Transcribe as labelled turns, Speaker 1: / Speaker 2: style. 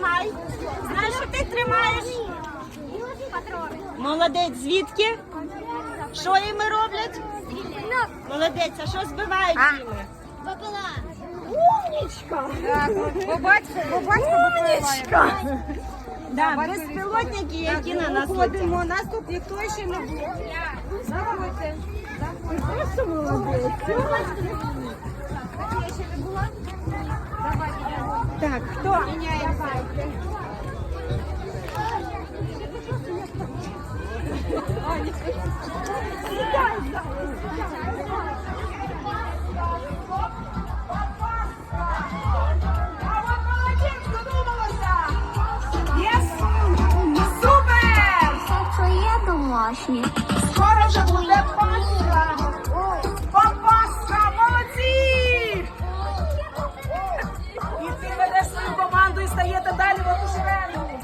Speaker 1: тримай. Знаєш, що ти тримаєш?
Speaker 2: Патрони.
Speaker 1: Молодець, звідки? Що їми роблять? Молодець, а що збивають їми?
Speaker 2: Бабала.
Speaker 1: Умнічка! Умнічка! Да, безпілотники, які на нас летять.
Speaker 3: Нас тут ніхто ще не був. Заходьте.
Speaker 1: Просто молодець. Так, хто?
Speaker 2: Домашні.
Speaker 3: Скоро вже буде Пасха. Пасха, молодці! І ти ведеш свою команду і стаєте далі в одну шеренгу.